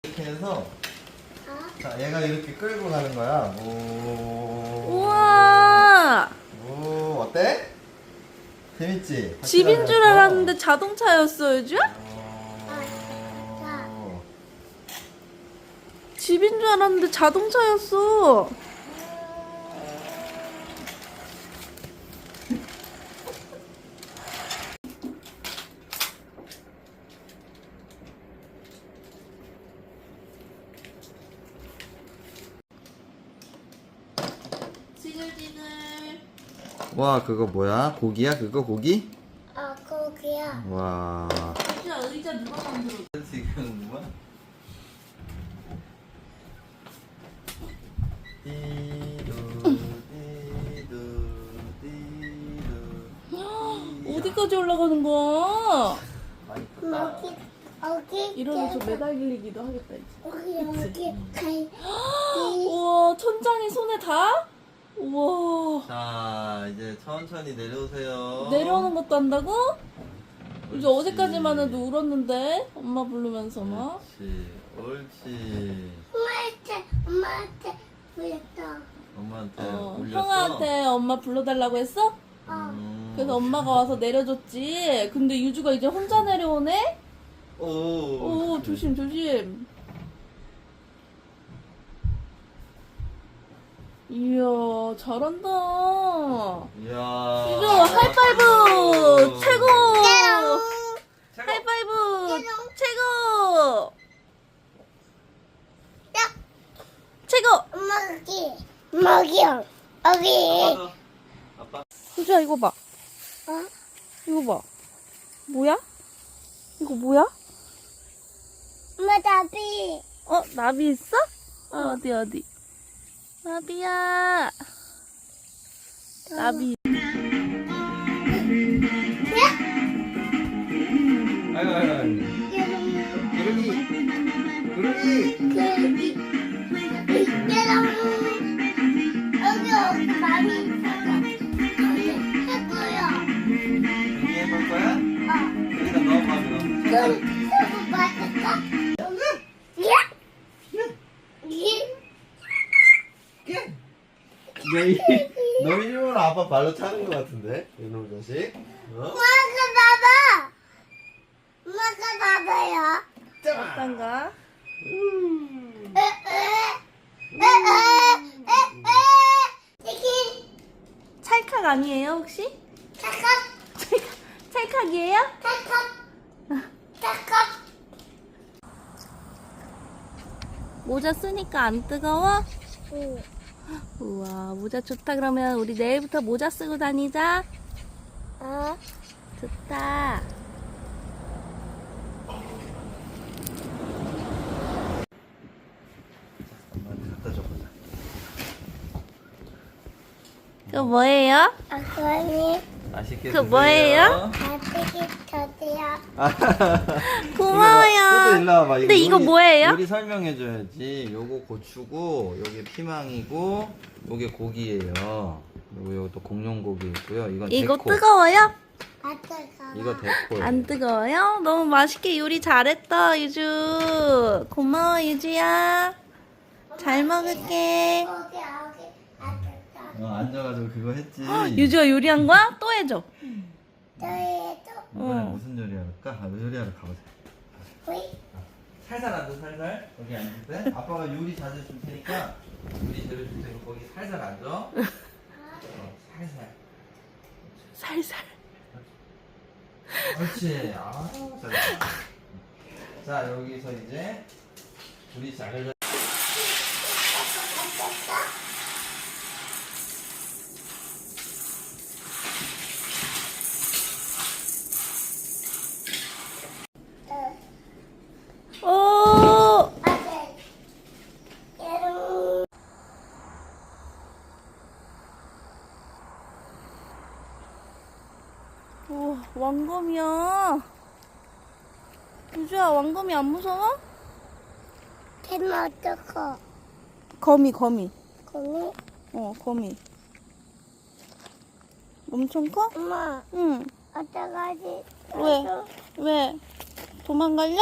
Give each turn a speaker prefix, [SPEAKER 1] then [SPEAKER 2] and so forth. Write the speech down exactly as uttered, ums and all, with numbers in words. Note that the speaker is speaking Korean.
[SPEAKER 1] 이렇게 해서 자 얘가 이렇게 끌고 가는 거야. 오.
[SPEAKER 2] 우와.
[SPEAKER 1] 오 어때? 재밌지?
[SPEAKER 2] 집인 줄 알았는데 자동차였어, 유주야?
[SPEAKER 1] 어...
[SPEAKER 2] 집인 줄 알았는데 자동차였어. 지글지글.
[SPEAKER 1] 와 그거 뭐야? 고기야? 그거 고기?
[SPEAKER 3] 아, 거기야.
[SPEAKER 1] 와.
[SPEAKER 2] 유주야, 의자 누가 만들어?
[SPEAKER 1] 지금 뭐야? 띠두 띠두 띠두.
[SPEAKER 2] 어디까지 올라가는 거야?
[SPEAKER 1] 많이
[SPEAKER 3] 여기, 여기.
[SPEAKER 2] 이러면서 매달리기도 하겠다, 이제.
[SPEAKER 3] 여기, 여기. 갈.
[SPEAKER 2] 우와, 천장이 손에 닿아? 우와.
[SPEAKER 1] 자 이제 천천히 내려오세요.
[SPEAKER 2] 내려오는 것도 한다고? 이제
[SPEAKER 1] 옳지.
[SPEAKER 2] 어제까지만 해도 울었는데 엄마 부르면서 막.
[SPEAKER 1] 옳지 옳지.
[SPEAKER 3] 엄마한테, 엄마한테 보였다.
[SPEAKER 1] 엄마한테
[SPEAKER 2] 어,
[SPEAKER 1] 울렸어?
[SPEAKER 2] 형아한테 엄마 불러달라고 했어?
[SPEAKER 3] 어.
[SPEAKER 1] 음.
[SPEAKER 2] 그래서 엄마가 와서 내려줬지. 근데 유주가 이제 혼자 내려오네?
[SPEAKER 1] 오,
[SPEAKER 2] 오,
[SPEAKER 1] 옳지.
[SPEAKER 2] 조심 조심. 이야, 잘한다.
[SPEAKER 1] 이야.
[SPEAKER 2] 유주 하이파이브 최고.
[SPEAKER 3] 어.
[SPEAKER 2] 하이파이브 최고. 최고.
[SPEAKER 3] 엄마 여기. 엄마 여기요. 여기.
[SPEAKER 1] 아빠, 아빠.
[SPEAKER 2] 유주야, 이거 봐.
[SPEAKER 3] 어?
[SPEAKER 2] 이거 봐. 뭐야? 이거 뭐야?
[SPEAKER 3] 엄마 나비.
[SPEAKER 2] 어, 나비 있어? 어, 어디, 어디? 나비야. 나비.
[SPEAKER 1] 아이고, 아이고, 아이고. 구름이. 구름이.
[SPEAKER 3] 여기. 여기 여기 많이 있어서 여기 해보여.
[SPEAKER 1] 여기 해볼 거야?
[SPEAKER 3] 어.
[SPEAKER 1] 여기다 넣어봐, 그럼.
[SPEAKER 3] 그럼 해보 맛있어? 예? 예?
[SPEAKER 1] 너, 너 이름으로 아빠 발로 차는 것 같은데? 이놈 자식. 어?
[SPEAKER 3] 엄마가 봐봐. 엄마가 봐봐요.
[SPEAKER 2] 어떤가?
[SPEAKER 3] 에, 에, 에, 에, 에, 에. 치킨.
[SPEAKER 2] 찰칵 아니에요, 혹시?
[SPEAKER 3] 찰칵.
[SPEAKER 2] 찰칵, 찰칵이에요?
[SPEAKER 3] 찰칵. 찰칵.
[SPEAKER 2] 모자 쓰니까 안 뜨거워?
[SPEAKER 3] 응.
[SPEAKER 2] 우와, 모자 좋다. 그러면 우리 내일부터 모자 쓰고 다니자.
[SPEAKER 3] 어?
[SPEAKER 2] 좋다.
[SPEAKER 1] 엄마한테 갖다 줘보자.
[SPEAKER 2] 그거 뭐예요?
[SPEAKER 3] 아까니
[SPEAKER 1] 맛있게
[SPEAKER 2] 그거 뭐예요?
[SPEAKER 3] 아직이 저도요.
[SPEAKER 2] 고마워요.
[SPEAKER 1] 또 일로 와봐.
[SPEAKER 2] 근데 이거 뭐예요?
[SPEAKER 1] 요리 설명해줘야지. 요거 고추고, 요게 피망이고, 요게 고기예요. 그리고 요것도 공룡 고기 있고요. 이건
[SPEAKER 2] 이거
[SPEAKER 1] 데코.
[SPEAKER 2] 뜨거워요?
[SPEAKER 3] 아빠가.
[SPEAKER 1] 이거 데코.
[SPEAKER 2] 안 뜨거워요? 너무 맛있게 요리 잘했다, 유주. 고마워, 유주야. 잘 먹을게.
[SPEAKER 3] 여기 여기 아빠가.
[SPEAKER 1] 어, 앉아가지고 그거 했지.
[SPEAKER 2] 유주가 요리한 거야? 또 해줘.
[SPEAKER 3] 저희도
[SPEAKER 1] 이번에
[SPEAKER 2] 어.
[SPEAKER 1] 무슨 요리하러 갈까? 아, 요리하러 가보자.
[SPEAKER 3] 우리
[SPEAKER 1] 살살 앉아, 살살. 여기 앉을 때. 아빠가 요리 자재 줄 테니까, 요리 재료 줄 테니까 거기 살살 앉아. 어, 살살.
[SPEAKER 2] 살살.
[SPEAKER 1] 그렇지. 아, 잘했다. 자, 여기서 이제 우리 자를
[SPEAKER 2] 오!
[SPEAKER 3] 아들. 얘는
[SPEAKER 2] 오, 왕검이야. 유주야, 왕검이 안 무서워?
[SPEAKER 3] 되면 어떡해?
[SPEAKER 2] 거미, 거미.
[SPEAKER 3] 거미?
[SPEAKER 2] 어, 거미. 엄청 커?
[SPEAKER 3] 엄마,
[SPEAKER 2] 응.
[SPEAKER 3] 어떡하지?
[SPEAKER 2] 왜? 왜? 도망갈려?